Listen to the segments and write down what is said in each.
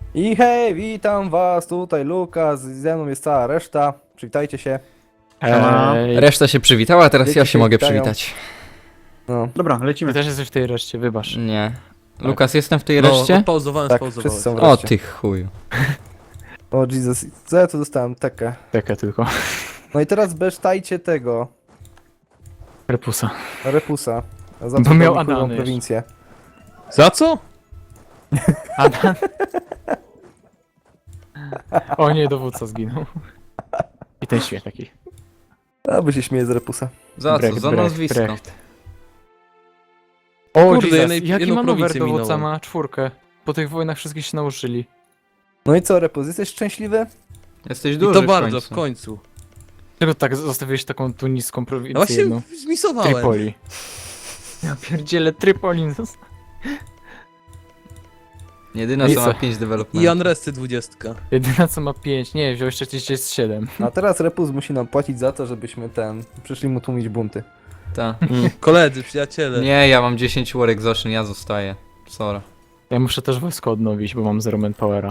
I hej, witam was, tutaj Lukas, ze mną jest cała reszta, przywitajcie się. Reszta się przywitała, a teraz Dzieci ja się się mogę witają. przywitać. No, Dobra, Ty lecimy. też jesteś w tej reszcie, wybacz. Nie. Lukas, jestem w tej No, reszcie? odpauzowałem, tak, wszyscy spauzowałem. są O wreszcie. ty chuju. O Jesus, co ja tu dostałem? Tekę. Taka tylko. No i teraz besztajcie tego, Repusa. Repusa. Za Bo to miał kurwą Adany prowincję. Za co? Adam. O nie, dowódca zginął. I ten śmiech taki. A, by się śmieje z Repusa. Za co? Za nazwisko. O, Kurde, Jesus, jednej- jaki jedną manewr prowincję dowódca minąłem. ma? 4. Po tych wojnach wszystkich się nauczyli. No i co, Repus, jesteś szczęśliwy? Jesteś I duży to w bardzo, końcu. w końcu. Czego tak zostawiłeś taką tu niską No prowincję właśnie jedną? zmisowałem. Tripoli. Ja pierdzielę, Tripoli. Jedyna I co co? ma 5 I development. Unresty 20. Jedyna co ma 5. Nie, wziął jeszcze 37. A teraz Repus musi nam płacić za to, żebyśmy przyszli mu tłumić bunty. Ta. Koledzy, przyjaciele. Nie, ja mam 10 war exhaustion, ja zostaję. Sorry. Ja muszę też wojsko odnowić, bo mam 0 manpowera.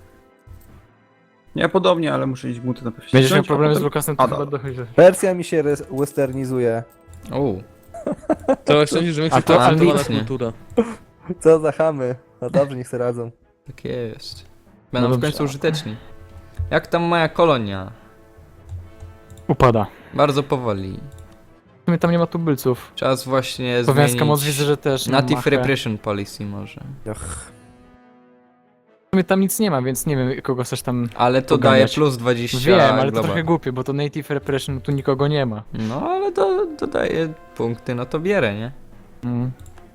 Ja podobnie, ale muszę iść buty na pewno. Będziesz miał problemy z Lukasem, to A, chyba dobra. dochodzi. Persja mi się westernizuje. Uuu. To szczęście, że my A to kształtowana ambitnie. kultura. Co za chamy. No dobrze, niech se radzą. Tak jest. Będą No w dobrze. końcu użyteczni. Jak tam moja kolonia? Upada. Bardzo powoli. W sumie tam nie ma tubylców. Czas właśnie Słowiańska moc zmienić... widzę, że też. Native Machę. Repression Policy może. Och. W sumie tam nic nie ma, więc nie wiem kogo chcesz tam... Ale to Poganiać. daje plus 20 Wiem, ale to global. trochę głupie, bo to Native Repression tu nikogo nie ma. No ale to daje punkty, no to bierę, nie? Mm.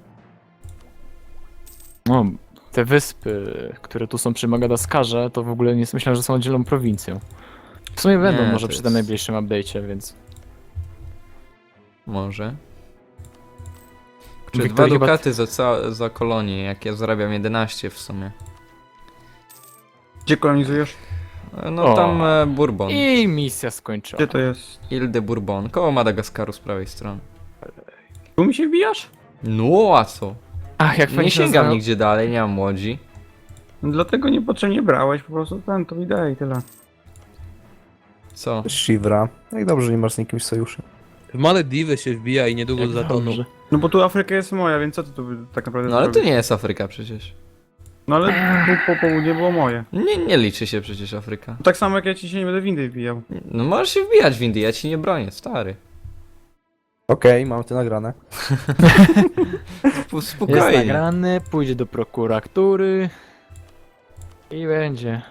No, te wyspy, które tu są przy Madagaskarze, to w ogóle nie myślałem, że są oddzielną prowincją. W sumie będą Nie, może to przy jest- tym najbliższym update'cie, więc... Może. Czy dwa Wiktor chyba- dukaty za kolonię, jak ja zarabiam 11 w sumie. Gdzie kolonizujesz? No O. tam Bourbon. I misja skończona. Gdzie to jest? Ile de Bourbon, koło Madagaskaru z prawej strony. Tu mi się wbijasz? No a co? Ach, jak Nie fajnie się sięgam nazywa- nigdzie dalej, nie mam łodzi. No dlatego niepotrzebnie brałeś, po prostu to widać i tyle. Co? Shivra. Jak dobrze, że nie masz z nikim sojuszu. W Malediwy się wbija i niedługo Jak zatoną. dobrze. No bo tu Afryka jest moja, więc co ty tu tak naprawdę No ale to zrobisz? nie jest Afryka przecież. No ale tu po południe było moje. Nie liczy się przecież Afryka. Tak samo jak ja ci się nie będę w Indy wbijał. No możesz się wbijać w Indii, ja ci nie bronię, stary. Okej, mam to nagrane. Jest Spokojnie. nagrany, pójdzie do prokuratury i będzie.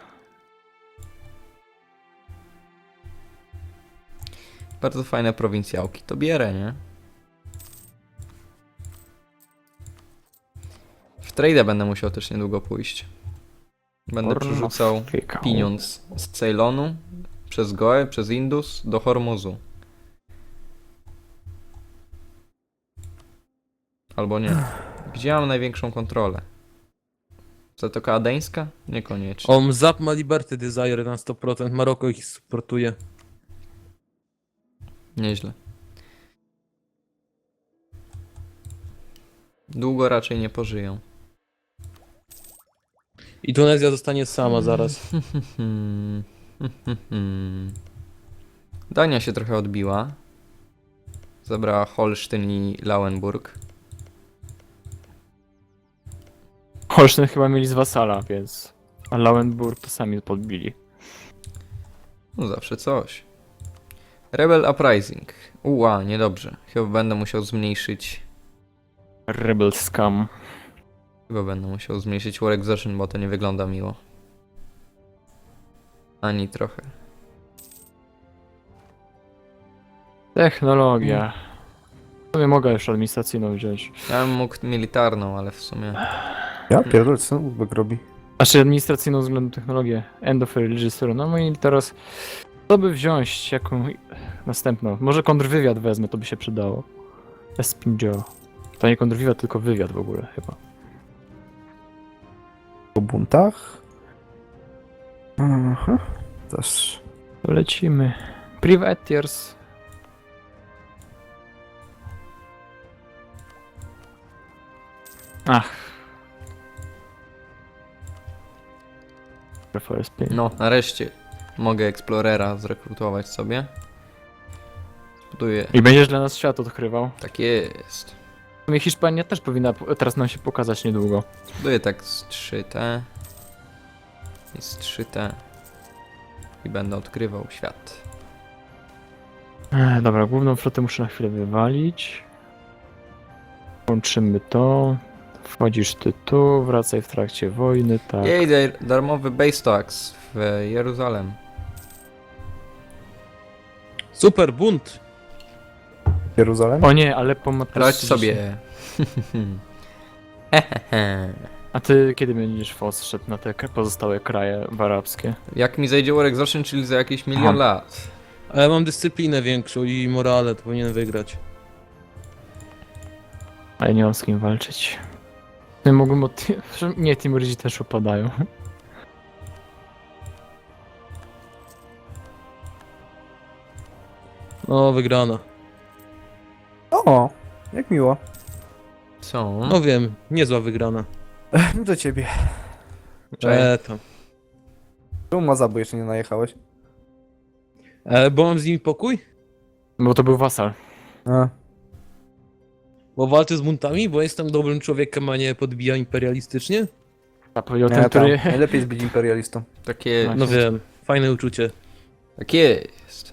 Bardzo fajne prowincjałki, to bierę, nie? W trade'a będę musiał też niedługo pójść. Będę przerzucał pieniądz z Ceylonu, przez Goę, przez Indus do Hormuzu. Albo nie. Gdzie mam największą kontrolę? Zatoka Adeńska? Niekoniecznie. Zap ma Liberty Desire na 100%, Maroko ich supportuje. Nieźle. Długo raczej nie pożyją. I Tunezja zostanie sama zaraz. Dania się trochę odbiła. Zabrała Holsztyn i Lauenburg. Holsztyn chyba mieli z wasala, więc... A Lauenburg to sami podbili. No zawsze coś. Rebel Uprising. Uła, niedobrze. Chyba będę musiał zmniejszyć... Rebel Scum. Chyba będę musiał zmniejszyć War Exhaustion, bo to nie wygląda miło. Ani trochę. Technologia. W sumie mogę już administracyjną wziąć. Ja bym mógł militarną, ale w sumie... Ja pierdolę, co ten Uzbek robi? Znaczy administracyjną względem technologię. End of Religious Rule. No i teraz... Co by wziąć? Jaką następną? Może kontrwywiad wezmę, to by się przydało. Espinjo. To nie kontrwywiad, tylko wywiad w ogóle chyba. Po buntach? Aha. Też. To lecimy. Privateers. Ach. FOSP. No, nareszcie mogę Explorera zrekrutować sobie. Buduję. I będziesz dla nas świat odkrywał. Tak jest. W sumie Hiszpania też powinna teraz nam się pokazać niedługo. Buduję tak z 3T. I z 3T. I będę odkrywał świat. Dobra, główną flotę muszę na chwilę wywalić. Łączymy to. Wchodzisz ty tu, wracaj w trakcie wojny, tak. Jej, darmowy base tax w Jeruzalem. Super, bunt! Jeruzalem? O nie, ale po Radź sobie. A ty kiedy będziesz FOS szedł na te pozostałe kraje arabskie? Jak mi zejdzie War Exhaustion, czyli za jakieś milion lat. Ale mam dyscyplinę większą i morale, to powinien wygrać. A ja nie mam z kim walczyć. Nie mogłem od... Nie, Timurydzi też upadają. No, wygrana. O, jak miło. Co? No wiem, niezła wygrana. Do ciebie. Cześć. Tam. Czemu Mazabu jeszcze nie najechałeś? Bo mam z nimi pokój? Bo to był wasal. A, Bo walczę z buntami? Bo jestem dobrym człowiekiem, a nie podbija imperialistycznie? A powiedział nie, ten, tam. który... Najlepiej jest być imperialistą. Takie. No wiem, fajne uczucie. Tak jest.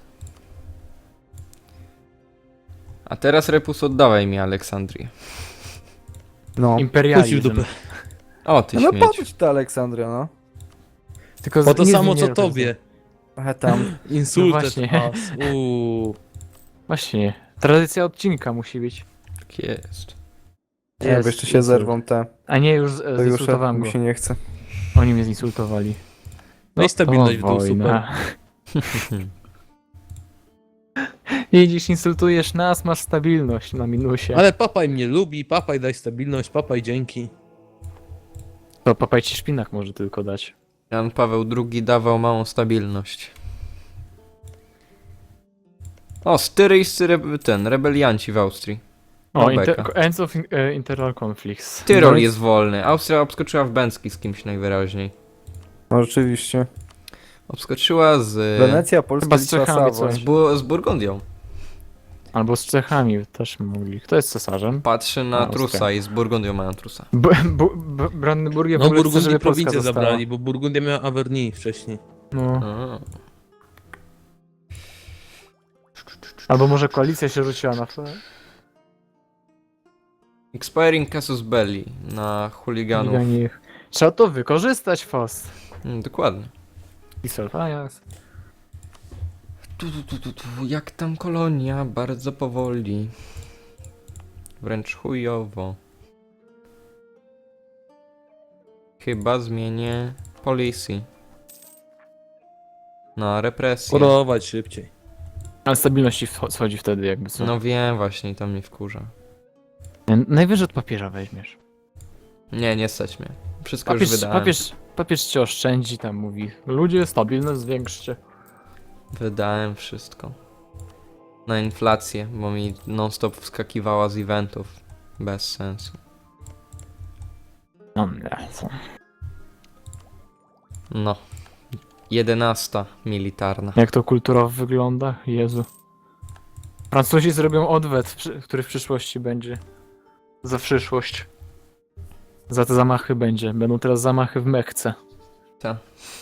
A teraz Repus oddawaj mi Aleksandrię. No. Puścił Imperializm. dupę. O, ty No śmieć. po co ci ta Aleksandria, no? Tylko Bo to nie samo co zmienię tobie. Tam. Insultet właśnie. pas. Właśnie. Tradycja odcinka musi być. Tak jest. Nie, bo jeszcze się zerwą te. A nie, już To już zinsultowałem go. mi się nie chce. Oni mnie zinsultowali. No i stabilność w to dół, wojna. Jedziesz, insultujesz nas, masz stabilność na minusie. Ale papaj mnie lubi, papaj daj stabilność, papaj dzięki. To papaj ci szpinak może tylko dać. Jan Paweł II dawał małą stabilność. O, styryjscy rebelianci w Austrii. O, beka. Ends of Internal Conflicts. Tyrol No i- jest wolny. Austria obskoczyła w Bęcki z kimś najwyraźniej. No rzeczywiście. Obskoczyła z... Wenecja, Polska, Chyba z Litwa, Czechami Savoy. coś. z Burgundią. Albo z Czechami też mogli. Kto jest cesarzem? Patrzy na Austria. trusa i z Burgundią mają trusa. Brandenburgię w No ogóle chce, Burgundii żeby Polska prowincję została. zabrali, bo Burgundia miała Averny wcześniej. No. A. Albo może koalicja się rzuciła na Expiring Casus Belli na chuliganów. nich. Trzeba to wykorzystać, FOS. Dokładnie. I Selfajans. Jak tam kolonia? Bardzo powoli. Wręcz chujowo. Chyba zmienię policy. Na represję. Porować szybciej. Ale stabilność ci schodzi wtedy jakby co. No wiem właśnie i to mnie wkurza. Najwyżej od papieża weźmiesz. Nie stać mnie. Wszystko już wydałem. Papież cię oszczędzi, tam mówi. Ludzie, stabilność zwiększcie. Wydałem wszystko. Na inflację, bo mi non-stop wskakiwała z eventów. Bez sensu. No nie, co? No. 11 militarna. Jak to kulturowo wygląda? Jezu. Francuzi zrobią odwet, który w przyszłości będzie. Za przyszłość. Za te zamachy będzie. Będą teraz zamachy w Mekce. Ta.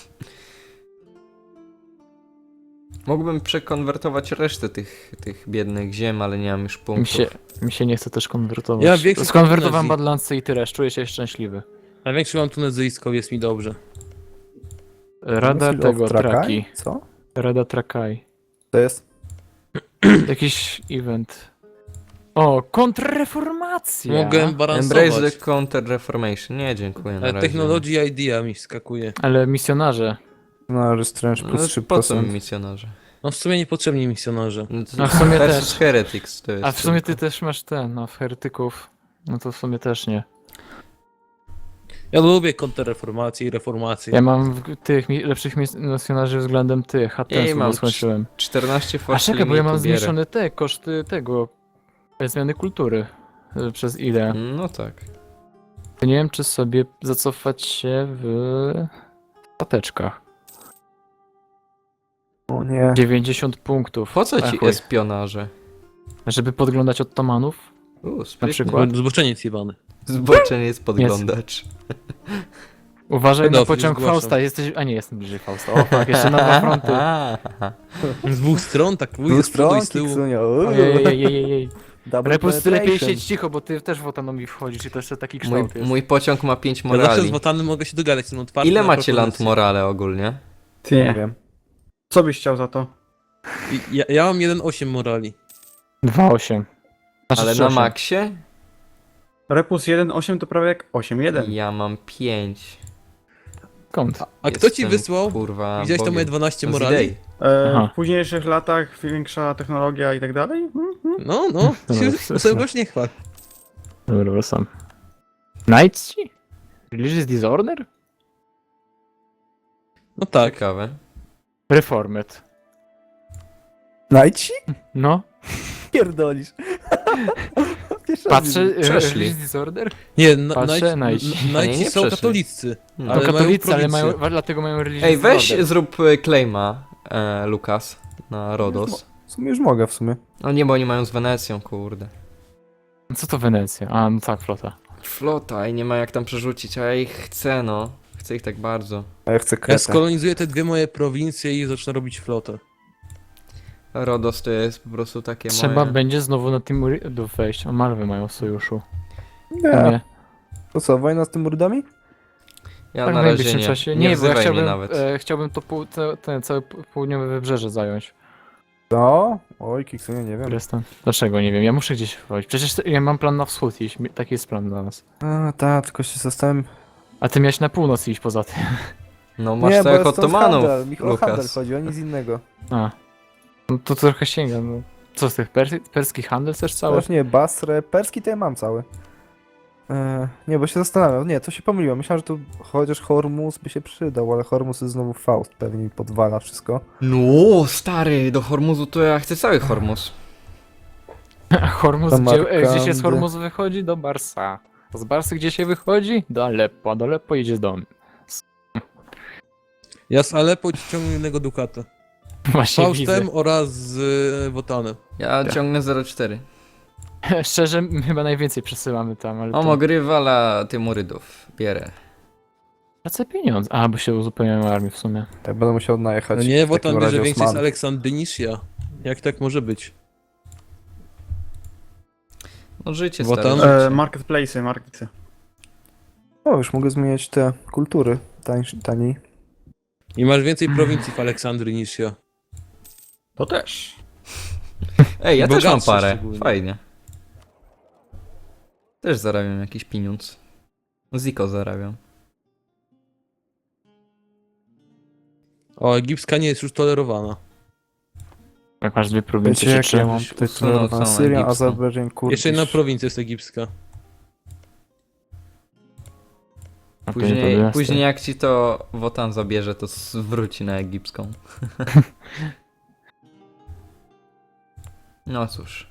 Mógłbym przekonwertować resztę tych biednych ziem, ale nie mam już punktów. Mi się nie chce też konwertować. Ja większość Skonwertowałem Tunezji. Badlandsy i tyle, czuję się szczęśliwy. Największy mam tunezyjską, jest mi dobrze. Rada Council of tego, Trakai? Traki. Co? Rada Trakai. To jest? Jakiś event. O, kontrreformacja! Mogę Embrace balansować. the Counter-Reformation. Nie, dziękuję na Ale razie. technology idea mi skakuje. Ale misjonarze. No, Restrange No, plus po co mi 3%. misjonarze? No w sumie niepotrzebni misjonarze. No, to A w sumie versus też. Heretics to jest. A w sumie ty tylko. też masz ten, no, heretyków. No to w sumie też nie. Ja lubię kontrreformację i reformację. Ja mam tych lepszych misjonarzy względem tych, Ej, Hattensów, mam bo skończyłem. 14 A force czekaj, bo ja mam limitu bierę. zmniejszone te koszty tego zmiany kultury przez ile. No tak. To nie wiem, czy sobie zacofać się w karteczkach. O nie. 90 punktów. Po co ci chuj. espionaże? Żeby podglądać Ottomanów? Na Na przykład. Zboczeniec jebany. Zboczenie jest podglądacz. Uważaj na Pedofil, pociąg zgłaszam. Fausta, jesteś... A nie, jestem bliżej Fausta. O fuck, jeszcze na dwa fronty. Z dwóch stron, tak Tu wuj z przodu i z stronki, tyłu. Ksunio. Ojej. Double Repus, ty lepiej penetration. siedź cicho, bo ty też w autonomii wchodzisz i to jeszcze taki Mój, kształt jest. mój pociąg ma 5 Ja zawsze z morali. Wotanem mogę się dogadać, jestem otwarty Ile na macie land propozycje. morale ogólnie? Ty Nie nie. wiem. Co byś chciał za to? Ja mam 1,8 morali. 2,8. Znaczy Ale 3,8. na maksie? Repus 1.8 to prawie jak 8.1. Ja mam 5. Skąd? A kto ci wysłał? Kurwa, Widziałeś to Bogiem. moje 12 Z morali? idei. Aha. W późniejszych latach większa technologia i tak dalej? No, No, sobie już nie chwal. Dobra, sam. Knights ci? Religious Disorder? No tak. Ciekawe. Reformed. Najci? No, Pierdolisz. Pierwszy raz patrzę, widzę. Przeszli. Religious Disorder? Nie, Patrzę, Najci nie są przeszli. katolicy. Hmm. To Ale mają katolicy, ale prowincję. mają, dlatego mają Religious Ej, weź Disorder. zrób claima, Lukas, na Rodos. W sumie już mogę w sumie. No nie, bo oni mają z Wenecją, kurde. Co to Wenecja? A, no tak, flota. Flota i nie ma jak tam przerzucić, a ja ich chcę, no. Chcę ich tak bardzo. A ja chcę Ja kretę. skolonizuję te dwie moje prowincje i zacznę robić flotę. Rodos to jest po prostu takie Trzeba moje... będzie znowu na Timurydów wejść. O, Malwy mają w sojuszu. Nie. To co, wojna z tym Murdami? Ja Tak na w razie najbliższym nie. czasie. Nie Nie, bo ja wzywaj mnie chciałbym, nawet. chciałbym to ten cały południowe wybrzeże zająć. No? Oj, Kiksunie, nie wiem. Restan. Dlaczego? Nie wiem, ja muszę gdzieś wchodzić. Przecież ja mam plan na wschód iść, taki jest plan dla nas. A, tak, tylko się zastanawiam. A ty miałeś na północ iść poza tym. No masz Nie, bo całych jest stąd Ottomanów, handel. Mi o handel Lukas. chodzi, o nic innego. A. No to trochę sięga, no. Co z tych perski handel chcesz cały? Też nie, Basrę, perski to ja mam cały. Nie, bo się zastanawiam. Nie, to się pomyliłem. Myślałem, że tu chociaż Hormuz by się przydał, ale Hormuz jest znowu Faust. Pewnie mi podwala wszystko. No, stary, do Hormuzu to ja chcę cały Hormuz. A Hormuz, Do gdzie się z Markandy. Hormuzu wychodzi? Do Barsa. Z Barsy gdzie się wychodzi? Do Aleppo, a do Aleppo jedzie do mnie. Ja z Aleppo ciągnę jednego dukata. Właśnie widzę. Faustem oraz z Wotanem. Ja ciągnę 0,4. Szczerze, my chyba najwięcej przesyłamy tam, ale O, to... Grywala Tymurydów. Bierę. Tracę pieniądze. A, bo się uzupełniają armię w sumie. Ja będę musiał najechać. No nie, w Wotan takim bierze razie więcej z Osmanów. Aleksandry niż ja. Jak tak może być? No życie, Wotan? stare życie. Marketplace'y. O, już mogę zmieniać te kultury taniej. I masz więcej prowincji w Aleksandrii niż ja. To też. Ej, ja też mam bogatsze parę. szczególnie. Fajnie. Też zarabiam jakiś pieniądz. Ziko zarabiam. O, egipska nie jest już tolerowana. Jak masz dwie prowincje, Wiecie, czy jak ja trzy? mam tutaj usunął tolerowane całą Syria, egipską. Azerbejdżan, Kurdysz. Jeszcze jedna prowincja jest egipska. A to nie to jest. Później jak ci to Wotan zabierze, to zwróci na egipską. No cóż.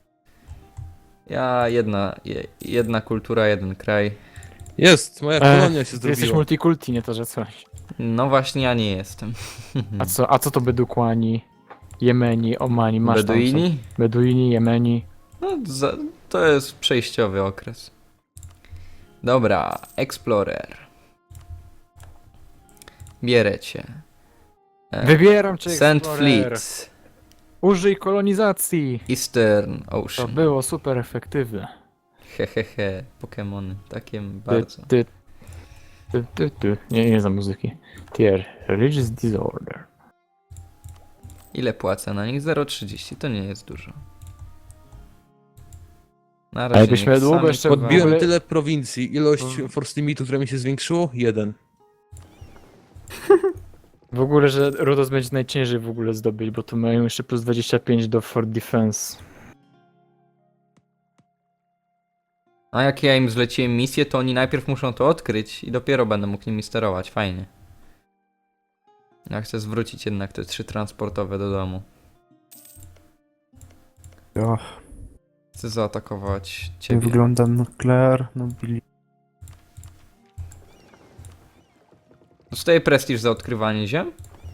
Ja jedna kultura, jeden kraj. Jest, moja kolonia się Ty jesteś zrobiła. multikulti, nie to, że coś. No właśnie ja nie jestem. A co to Bedukłani, Jemeni, Omani, masz tam Beduini? co? Beduini, Jemeni. No, to jest przejściowy okres. Dobra, Explorer. Bierę cię. Wybieram cię, St. Explorer. Fleet. Użyj kolonizacji. Eastern To Ocean. było super efektywne. Hehehe, Pokemony. Takie bardzo. Nie za muzyki. Tier, Religious Disorder. Ile płacę na nich? 0,30. To nie jest dużo. Na A razie jakbyśmy niech długo sami jeszcze pływają. Podbiłem ogóle- tyle prowincji. Ilość force limitu, która mi się zwiększyło? 1. W ogóle, że Rodos będzie najciężej w ogóle zdobyć, bo tu mają jeszcze plus 25 do Fort Defense. A jak ja im zleciłem misję, to oni najpierw muszą to odkryć i dopiero będę mógł nimi sterować. Fajnie. Ja chcę zwrócić jednak te 3 transportowe do domu. Och, Chcę zaatakować nie ciebie. wygląda nuklear, nobili. Dostaję prestiż za odkrywanie ziem?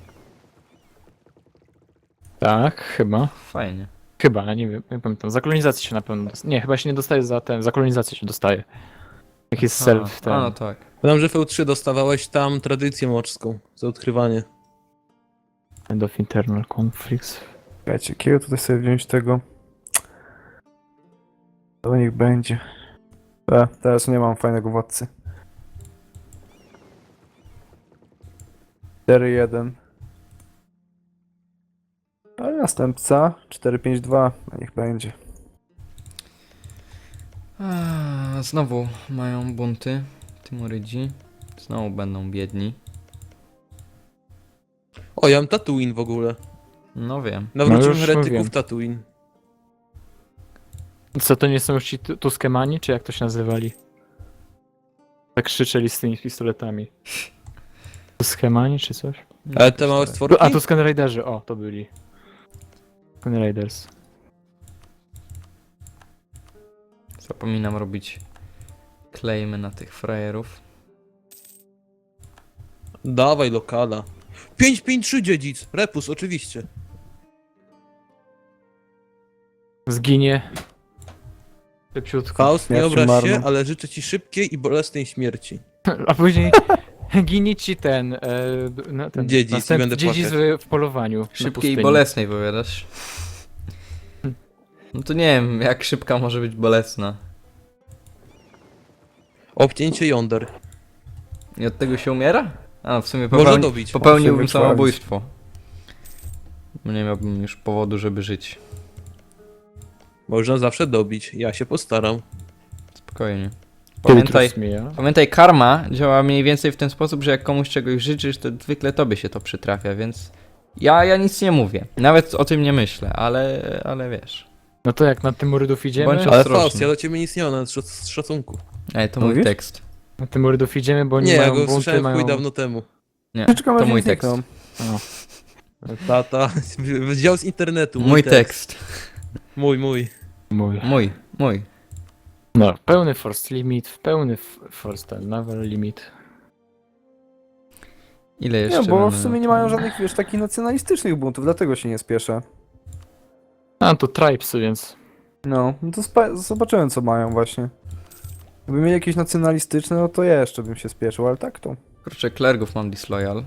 Tak, chyba. Fajnie. Chyba, ja nie wiem, nie pamiętam. Za kolonizację się na pewno dostaje. Nie, chyba się nie dostaje za ten, za kolonizację się dostaje. Jak jest self, ten. A, no tak. Pamiętam, że w EU3 dostawałeś tam tradycję morską za odkrywanie. End of internal conflicts. Czekajcie, jakiego tutaj sobie wziąć tego? To niech będzie. Teraz nie mam fajnego władcy. 4-1. A następca 4-5-2. A niech będzie. Znowu mają bunty. Timurydzi. Znowu będą biedni. O, ja mam Tatooine w ogóle. No wiem. Nawróciłem już heretyków mówiłem. Tatooine. Co to nie są już ci Tuskemani, czy jak to się nazywali? Tak krzyczeli z tymi pistoletami. Tuskemani, czy coś? Ale te małe stworki? A, Tusken Raiderzy, o, to byli. Tusken Raiders. Zapominam robić claimy na tych frajerów. Dawaj lokala. 553 dziedzic. Repus, oczywiście. Zginie. Szybciutko. Faust, nie Śmiercią obraź się, marną. ale życzę ci szybkiej i bolesnej śmierci. A później ginie ci ten, ten Dziedzic i będę dziedzic w polowaniu. na Szybkiej i pustyni. bolesnej powiadasz. No to nie wiem, jak szybka może być bolesna. Obcięcie jąder. I od tego się umiera? A, w sumie Można dobić. popełniłbym Może wykrwawić. samobójstwo. Nie miałbym już powodu, żeby żyć. Można zawsze dobić. Ja się postaram. Spokojnie. Pamiętaj. Pamiętaj, karma działa mniej więcej w ten sposób, że jak komuś czegoś życzysz, to zwykle tobie się to przytrafia, więc ja nic nie mówię. Nawet o tym nie myślę, ale wiesz. No to jak na Tymurydów idziemy? Bądź Ale ostrożny. Faust, ja do ciebie nic nie mam, nawet z szacunku. Ej, to mój Mówisz? tekst. Na Tymurydów idziemy, bo oni Nie, ja mają go bunty, słyszałem mają... chuj dawno temu. Nie, Czekam, to aż mój nie tekst. znikną. Tata, wziął z internetu. Mój tekst. Mój. Mój. No, pełny force limit, pełny force ten, naval limit. Ile jeszcze Nie, bo mamy w sumie na nie to? mają żadnych, wiesz, takich nacjonalistycznych buntów, dlatego się nie spieszę. A, to tribesy, więc... No to zobaczyłem co mają właśnie. Gdyby mieli jakieś nacjonalistyczne, no to jeszcze bym się spieszył, ale tak to. Kurczę, klergów mam disloyal.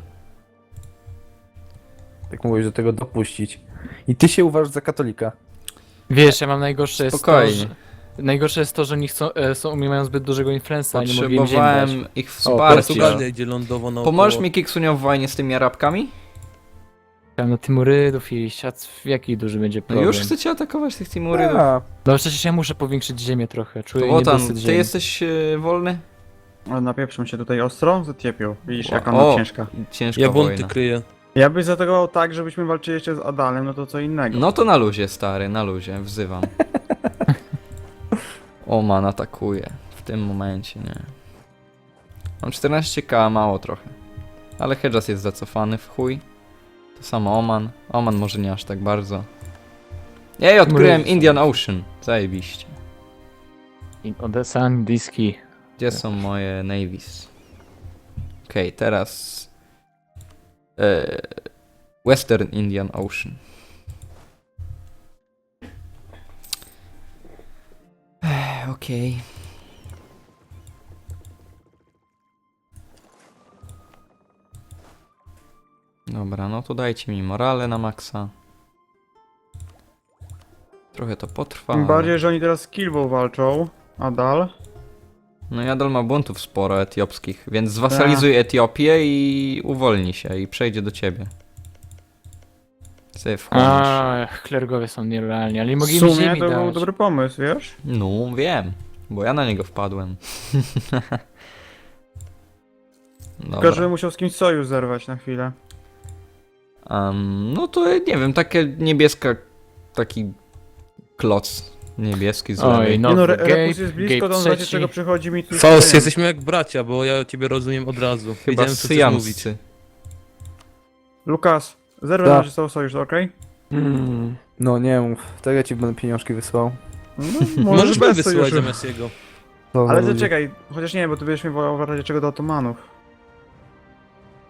Jak mówisz do tego dopuścić. I ty się uważasz za katolika. Wiesz, ja mam najgorsze jest to, Spokojnie. że... Najgorsze jest to, że oni chcą, mają zbyt dużego influenza, a nie mogli im ziemi dać. Potrzebowałem ich Portugalia wsparcia. idzie lądowo na Pomożesz mi Kiksunio w wojnie z tymi Arabkami? Chciałem na Tymurydów iść, a jaki duży będzie No problem? już chcecie atakować tych Timurydów. A, No przecież ja muszę powiększyć ziemię trochę, To czuję Wotan, niedosyt ty ziemi. jesteś wolny? Ale napieprzą się tutaj ostro, zatiepił. Widzisz, jaka O, ona ciężka. Ciężka Ja bunty wojna. kryję. Ja byś zaatakował tak, żebyśmy walczyli jeszcze z Adalem, no to co innego. No to na luzie, stary, na luzie, wzywam. Oman atakuje. W tym momencie, nie. Mam 14k, mało trochę. Ale Hedjas jest zacofany w chuj. To samo Oman. Oman może nie aż tak bardzo. Ej, odkryłem Mrówca. Indian Ocean. Zajebiście. Odessa, Indiski. Gdzie są moje navies? Okej, teraz... Western Indian Ocean. Okej. Dobra, no to dajcie mi morale na maksa. Trochę to potrwa. Tym ale- bardziej, że oni teraz z Kilbą walczą. Adal. No i nadal ma buntów sporo etiopskich, więc zwasalizuj Etiopię i uwolni się i przejdzie do ciebie. Sobie wchłonisz. A, klergowie są nierealni, ale nie W mogli mi sumie ziemi to był dać. dobry pomysł, wiesz? No, wiem, bo ja na niego wpadłem. Tylko, żeby Dobra. musiał z kimś sojusz zerwać na chwilę. No to nie wiem, takie niebieska, taki kloc niebieski z Oj, lewej. no. Nie no, Nowy Repus gate, jest blisko, gate to on zobaczy trzeci. czego przychodzi mi tu. Faust, jesteśmy jak bracia, bo ja ciebie rozumiem od razu. Chyba Wiedziałem, co chcesz mówić. syjamscy. Lukas, zerwę Tak. na ciebie sojusz, okej? no nie mów, to ja ci będę pieniążki wysłał. No, Możesz mnie bez wysyłać sojuszu. zamiast jego. To za Ale ludzie. zaczekaj, chociaż nie, bo ty będziesz mnie wołał w razie czego do Otomanów.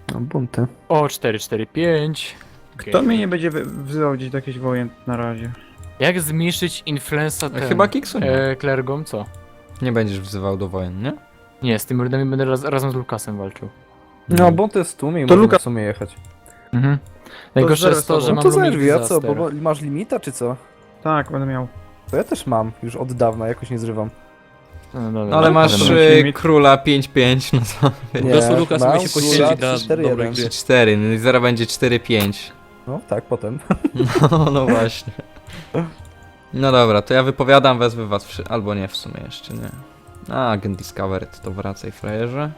No, bunty. O, 445. Kto mnie nie będzie wzywał gdzieś do jakichś wojen na razie? Jak zmniejszyć influenza ten? Chyba Kiksu nie. Klergom, co? Nie będziesz wzywał do wojen, nie? Nie, z tym rydami będę razem z Lukasem walczył. No, bunty jest tłumie i To można Luka- w sumie jechać. Mhm. Najgorsze jest to, że No mam to lumik zerwij, a co? disaster. Bo masz limita, czy co? Tak, będę miał. To ja też mam, już od dawna, jakoś nie zrywam. No, dobra, No ale masz Dobra, limit. króla 5-5, no to Nie, Po prostu Lukas mam umie się króla poświęcić dla 3-4-1. dobrej gry. 4, no i zaraz będzie 4-5. No tak, potem. No właśnie. No dobra, to ja wypowiadam, wezwę was albo nie w sumie jeszcze, nie. A, Agent Discovered, to wracaj frajerze.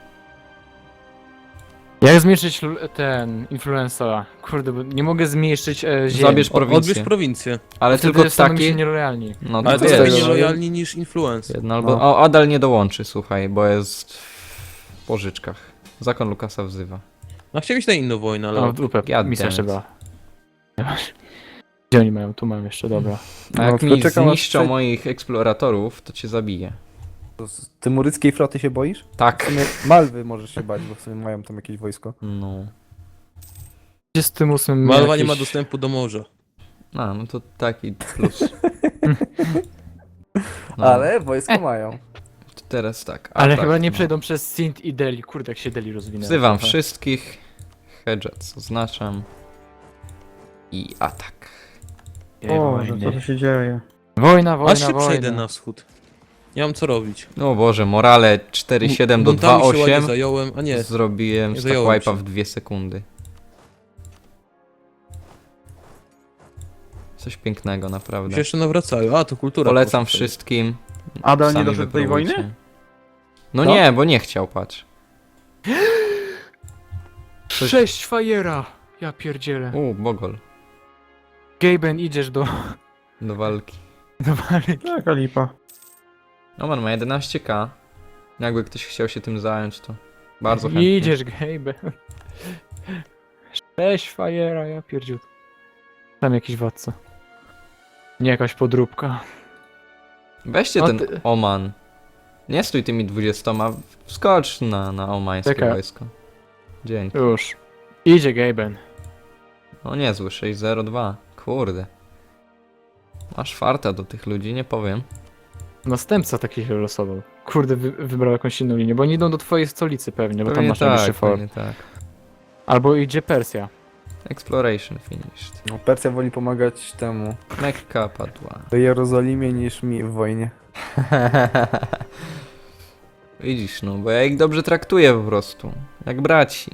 Jak zmniejszyć ten influenza? Kurde, bo nie mogę zmniejszyć ziemi. Zabierz prowincję. Odbierz prowincję. Ale Wtedy tylko staną mi się taki... nielojalni. No Ale to wiesz, jest tego, nielojalni niż influencer. jedno albo... No. O, Adal nie dołączy, słuchaj, bo jest w pożyczkach. Zakon Lukasa wzywa. No chciałem iść na inną wojnę, ale... No, w dupę, God misja damn it. trzeba. Gdzie oni mają? Tu mam jeszcze, dobra. A jak tylko mi czekam, aż zniszczą prze- moich eksploratorów, to cię zabiję. Z tymuryckiej floty się boisz? W Tak. sumie Malwy możesz się bać, bo w sumie mają tam jakieś wojsko. No. 28 Malwa nie jakieś- ma dostępu do morza. A, no to taki plus. No, Ale wojsko mają. to teraz tak. Ale atak, chyba nie no. przejdą przez Sint i Delhi. Kurde, jak się Delhi rozwinęło. Wzywam trochę. wszystkich. Hedgets oznaczam. I atak. Ej, O, wojny. co tu się dzieje? Wojna, wojna, Aż się wojna. przejdę na wschód. Nie mam co robić. No Boże, morale 4-7 do Buntami się ładnie 2-8. zająłem, a nie. Zrobiłem nie stack zająłem wipe'a się. w 2 sekundy. Coś pięknego, Mi naprawdę. się jeszcze nawracają. A, to kultura. Polecam poszła. wszystkim. Adal nie Sami doszedł do tej wypróbujcie. wojny? No Co? nie, bo nie chciał, patrz. 6 fajera! Ja pierdzielę. Bogol. Gaben, idziesz do Do walki. Taka lipa. Oman ma 11k. Jakby ktoś chciał się tym zająć, to bardzo chętnie. Idziesz, Gaben. 6 fajera, ja pierdziu. Tam jakiś władca. Nie jakaś podróbka. Weźcie No ten ty- Oman. Nie stój tymi 20, wskocz na omańskie Czekaj. wojsko. Dzięki. Już. Idzie Gaben. O niezły, 602. Kurde. Masz farta do tych ludzi, nie powiem. Następca taki się losował. Kurde, wybrał jakąś inną linię, bo oni idą do twojej stolicy pewnie, bo tam Pewnie masz najbliższy tak, fort. pewnie tak. Albo idzie Persja. Exploration finished. No, Persja woli pomagać temu Mekka padła. do Jerozolimie niż mi w wojnie. Widzisz, no, bo ja ich dobrze traktuję po prostu. Jak braci.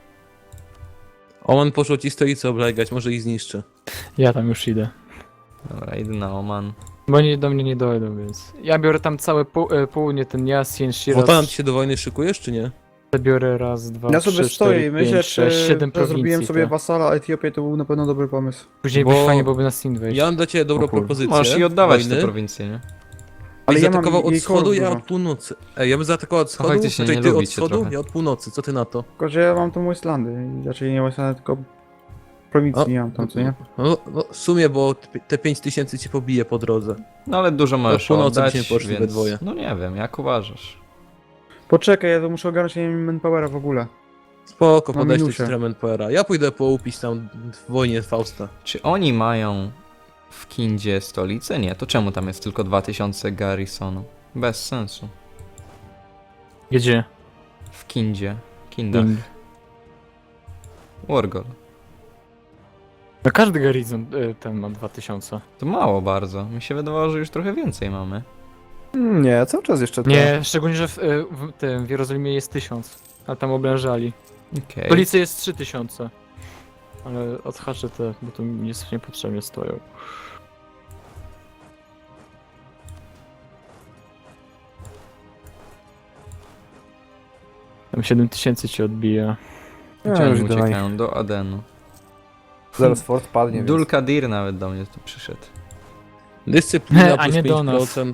Oman poszło ci stolicę oblegać, może ich zniszczę. Ja tam już idę. Dobra, idę na Oman. Bo oni do mnie nie dojdą, więc... Ja biorę tam całe południe, ten Jasien, Shiraz, Wotan, ty się do wojny szykujesz, czy nie? biorę raz, dwa, Ja trzy, sobie cztery, stoję i myślę, pięć, sześć, czy siedem że zrobiłem prowincji. sobie tak. wasala Etiopię, to był na pewno dobry pomysł. Później Bo- by fajnie byłoby na Sin wejść. Ja mam dla ciebie dobrą O kurde. propozycję. Możesz i oddawać wojny. te prowincje, nie? Ale Ale ja mam zaatakował od jej wschodu, korów ja dużo. od północy. Ej, ja bym zaatakował od wschodu, faktycznie znaczy nie ty od lubicie wschodu, trochę. ja od północy. Co ty na to? Tylko, że ja mam tą Westlandy, raczej nie Westlandy, tylko prowincji O, nie mam tam, co nie? No, w sumie, bo te 5000 cię pobije po drodze. No ale dużo możesz północy oddać, byśmy poszli we więc... dwoje. No nie wiem, jak uważasz? Poczekaj, ja to muszę ogarnąć, ja nie mam manpowera w ogóle. Spoko, Na podać minusie. tu Manpowera. Ja pójdę poupić tam w wojnie Fausta. Czy oni mają w Kindzie stolicę? Nie, to czemu tam jest tylko 2000 garrisonu? Bez sensu. Gdzie? W Kindzie. Kindach. Wargol. No każdy garnizon ten ma 2000. To mało bardzo. Mi się wydawało, że już trochę więcej mamy. Nie, cały czas jeszcze to. Nie, szczególnie, że w Jerozolimie jest 1000. A tam oblężali. Okej. W stolicy jest 3000. Ale odhaczę te, bo tu niepotrzebnie stoją. Tam 7000 ci odbija. Nie, Gdzie już oni idę na nich. uciekają? Do Adenu. Zaraz fort padnie, więc... Dulkadir nawet do mnie tu przyszedł. Dyscyplina A plus nie do nas. 5%.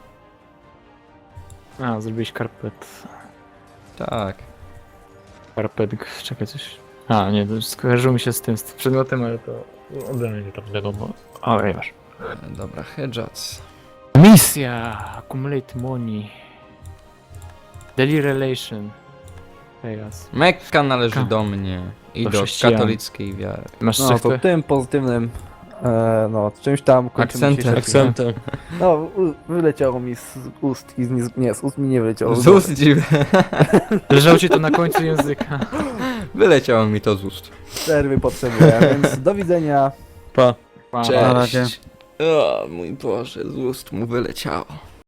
A, zrobiłeś karpet. Tak. Karpet, czekaj coś. A, nie, to skojarzyło mi się z tym, z przedmiotem, ale to ode mnie tam wiadomo. Ale już. Dobra, Hedgats. Misja! Accumulate money. Daily relation. Teraz. Mekka należy Ka- do mnie i do do chrześcijan. katolickiej wiary. Masz No to sektę? tym pozytywnym, no czymś tam kończymy Akcentem. dzisiejszy odcinek. Akcentem. No, wyleciało mi z ust i nie, z ust mi nie wyleciało. Z ust dziwne. Leżało ci to na końcu języka. Wyleciało mi to z ust. Przerwy potrzebuję, więc do widzenia. Pa. Wow. Na razie. Cześć. O mój Boże, z ust mu wyleciało.